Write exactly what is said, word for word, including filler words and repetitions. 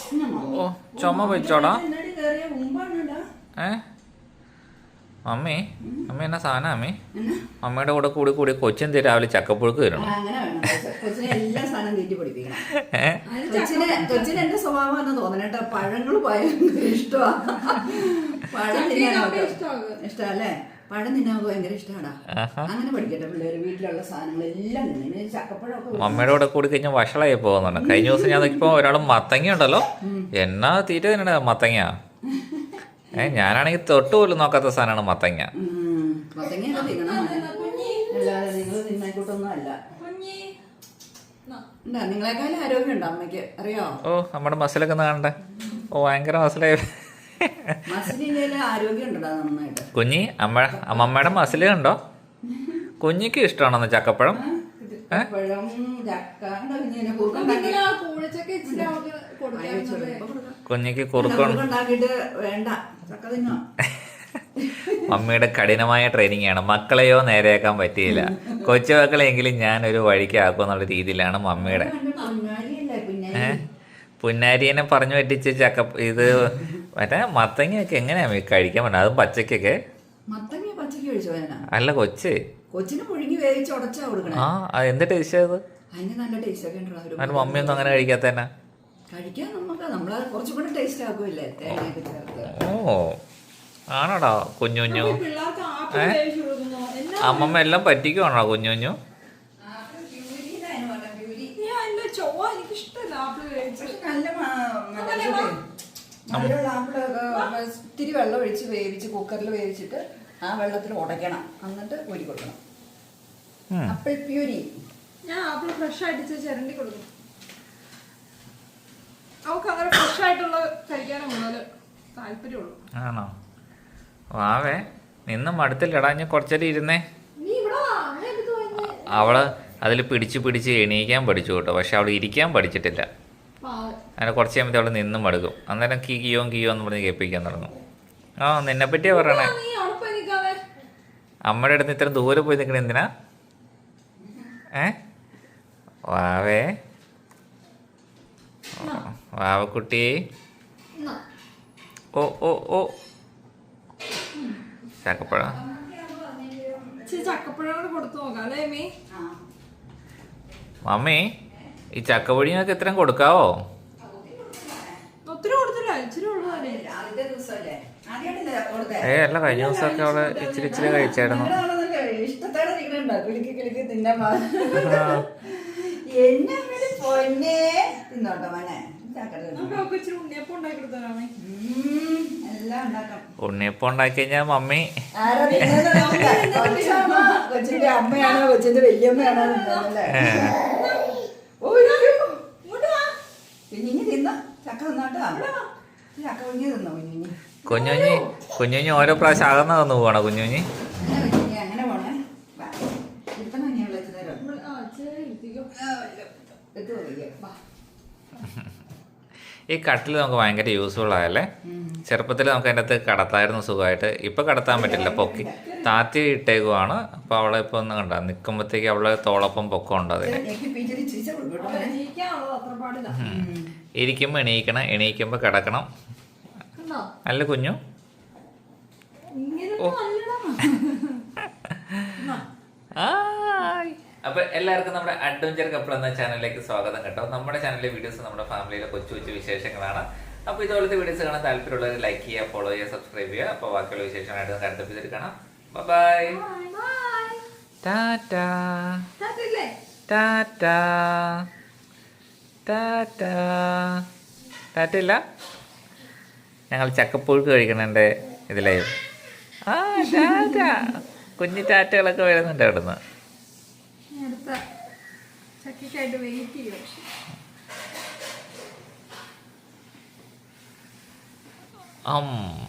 ഓ ചുമ വെച്ചോടാ. ഏ mummy mummy എന്നാ സാധനം അമ്മി? അമ്മയുടെ കൂടെ കൂടി കൂടി കൊച്ചിന് രാവിലെ ചക്കപ്പുഴുക്ക് തരണം. കൊച്ചിന് എന്റെ സ്വഭാവം എന്ന് തോന്നണേട്ടോ, പഴങ്ങൾ ഭയങ്കര ഇഷ്ടമാണ്. പഴം തിന്നാനൊക്കെ ഇഷ്ടമല്ലേ? പഴം തിന്നാൻ ഭയങ്കര ഇഷ്ടമാടാ. അങ്ങനെ പഠിക്കട്ടെ പിള്ളേര്. വീട്ടിലുള്ള സാധനങ്ങളെല്ലാം തിന്നെ. ചക്കപ്പഴമൊക്കെ മമ്മയുടെ കൂടെ കൂടി കഴിഞ്ഞാൽ വഷളായി പോകുന്നുണ്ട്. കഴിഞ്ഞ ദിവസം ഞാൻ നോക്കിയപ്പോ ഒരാൾ മത്തങ്ങ ഉണ്ടല്ലോ, എന്നാ തീറ്റ തിന്നണ മത്തങ്ങ. ഏ ഞാനാണെങ്കിൽ തൊട്ട് പോലും നോക്കാത്ത സാധനമാണ് മത്തങ്ങ. മത്തങ്ങയൊക്കെ തിന്നണം. അല്ലാതെ നിങ്ങൾ തിന്നായിക്കോട്ടൊന്നും അല്ല. നിങ്ങളെക്കാളും ആരോഗ്യമുണ്ടോ അമ്മയ്ക്ക്? അറിയോ? ഓ നമ്മുടെ മസിലൊക്കെ ഒന്ന് കാണണ്ടേ? ഓ ഭയങ്കര മസിലായി. മസിലിന്റെ ആരോഗ്യം ഉണ്ടോ നന്നായിട്ട്? കുഞ്ഞി അമ്മ അമ്മമ്മയുടെ മസില് കണ്ടോ? കുഞ്ഞിക്ക് ഇഷ്ടമാണോ ചക്കപ്പഴം? കുഞ്ഞിക്ക് കുറുക്കുണ്ടാക്കിട്ട് വേണ്ട ചക്ക തിന്നോ. മമ്മിയുടെ കഠിനമായ ട്രെയിനിങ് ആണ്. മക്കളെയോ നേരെയാക്കാൻ പറ്റിയില്ല. കൊച്ചു മക്കളെങ്കിലും ഞാൻ ഒരു വഴിക്ക് ആക്കുമെന്നുള്ള രീതിയിലാണ് മമ്മിയുടെ. ഏഹ് പുന്നാരിനെ പറഞ്ഞു പറ്റിച്ച് ചക്ക ഇത് മറ്റേ മത്തങ്ങയൊക്കെ എങ്ങനെയാ കഴിക്കാൻ പറ്റുന്നത്? അതും പച്ചക്കൊക്കെ. അല്ല കൊച്ച് കൊച്ചിന് പുഴുങ്ങി വേവിച്ച് ഉടച്ചാ കൊടുക്കണം. ആ എന്ത് ടേസ്റ്റ് അത്? അതിന് നല്ല ടേസ്റ്റ് ഒക്കെ ഉണ്ടോ? അതിന് മമ്മിയൊന്നും അങ്ങനെ കഴിക്കാത്തന്നെ. കഴിക്കാൻ നമുക്ക് നമ്മളെ കുറച്ചുകൂടെ ടേസ്റ്റ് ആക്കുമല്ലേ തേങ്ങയൊക്കെ ചേർത്ത്. ഓ ആണോടാ കുഞ്ഞു കുഞ്ഞു? ഏ അമ്മമ്മ എല്ലാം പറ്റിക്കുവാണോ കുഞ്ഞു കുഞ്ഞു? ഇത്തിരി വെള്ളം ഒഴിച്ച് വേവിച്ച് കുക്കറിൽ വേവിച്ചിട്ട് ആ വെള്ളത്തിൽ ഉടയ്ക്കണം. എന്നിട്ട് ഊരി കൊടുക്കണം. ആപ്പിൾ പ്യൂരി ഞാൻ ആപ്പിൾ ഫ്രഷ് ആയിട്ട് ചിരണ്ടി കൊടുക്കും. അവൾക്ക് അങ്ങനെ ഫ്രഷ് ആയിട്ടുള്ള കഴിക്കാനും കൂടുതൽ താല്പര്യമുള്ളൂ. ആണോ? വാവേ നിന്നും മടുത്തില്ലടാ. ഞാൻ കുറച്ചേരം ഇരുന്നേ. അവള് അതിൽ പിടിച്ച് പിടിച്ച് എണീക്കാൻ പഠിച്ചു കേട്ടോ, പക്ഷെ അവൾ ഇരിക്കാൻ പഠിച്ചിട്ടില്ല. അങ്ങനെ കുറച്ച് കഴിയുമ്പോൾ അവൾ നിന്നും മടുക്കും. അന്നേരം കീ കിയോ കിയോ എന്ന് പറഞ്ഞ് കേൾപ്പിക്കാൻ തുടങ്ങും. ആ നിന്നെ പറ്റിയാ പറയണേ. അമ്മയുടെ അടുത്ത് ഇത്ര ദൂരെ പോയി നിൽക്കണ എന്തിനാ? ഏ വാവേ വാവക്കുട്ടി. ഓ ഓ ഓ ചക്കപ്പഴം ചക്കപ്പഴം കൊടുത്തു നോക്കാം അല്ലേ മീ? മമ്മി ഈ ചക്കപ്പൊടിയൊക്കെ എത്രയും കൊടുക്കാവോ? ഒത്തിരി കൊടുത്തില്ല, ഇച്ചിരി ഏ അല്ല കഴിഞ്ഞ ദിവസമൊക്കെ അവള് ഇച്ചിരി ഇച്ചിരി കഴിച്ചായിരുന്നു. ഉണ്ണിയപ്പം ഉണ്ടാക്കി കഴിഞ്ഞാ മമ്മി കൊച്ചിന്റെ അമ്മയാണോ കൊച്ചിന്റെ വല്യമ്മയാണോ കുഞ്ഞിഞ്ഞി തിന്ന ചക്ക തിന്നോട്ടോ. ചക്ക കുഞ്ഞി തിന്നോ കുഞ്ഞിഞ്ഞി? കുഞ്ഞുഞ്ഞി കുഞ്ഞുഞ്ഞി ഓരോ പ്രാവശ്യം അകന്ന് തന്നു പോകണോ കുഞ്ഞുഞ്ഞി? അങ്ങനെ പോണേ. ഈ കട്ടിൽ നമുക്ക് ഭയങ്കര യൂസ്ഫുൾ ആയല്ലേ. ചെറുപ്പത്തിൽ നമുക്ക് അതിൻ്റെ അകത്ത് കടത്തായിരുന്നു സുഖമായിട്ട്. ഇപ്പം കടത്താൻ പറ്റില്ല, പൊക്കി താത്തി ഇട്ടേക്കുവാണ്. അപ്പോൾ അവളെ ഇപ്പോൾ ഒന്ന് കണ്ട നിൽക്കുമ്പോഴത്തേക്ക് അവളെ തോളൊപ്പം പൊക്കം ഉണ്ട്. അതിന് ഇരിക്കുമ്പോൾ എണീക്കണം, എണീക്കുമ്പോൾ കിടക്കണം. അല്ല കുഞ്ഞു? അപ്പൊ എല്ലാവർക്കും നമ്മുടെ അഡ്വഞ്ചർ കപ്പിൾ എന്ന ചാനലിലേക്ക് സ്വാഗതം കേട്ടോ. നമ്മുടെ ചാനലിലെ വീഡിയോസ് നമ്മുടെ ഫാമിലിയിലെ കൊച്ചു കൊച്ചു വിശേഷങ്ങളാണ്. അപ്പോൾ ഇതുപോലത്തെ വീഡിയോസ് കാണാൻ താല്പര്യമുള്ളവർ ലൈക്ക് ചെയ്യുക, ഫോളോ ചെയ്യുക, സബ്സ്ക്രൈബ് ചെയ്യുക. അപ്പോൾ ബാക്കിയുള്ള വിശേഷമായിട്ട് നമുക്ക് അടുത്ത എപ്പിസോഡിൽ കാണാം. Bye tata tata tata. ടാറ്റയില്ല, ഞങ്ങൾ ചക്കപ്പുഴുക്ക് കഴിക്കണേൻ്റെ ഇതിലായി. ആ ടാറ്റ കുഞ്ഞി ടാറ്റകളൊക്കെ വരുന്നുണ്ട് അവിടുന്ന്. ചക്കയ്ക്കായിട്ട് വെയിറ്റ് ചെയ്യും. അം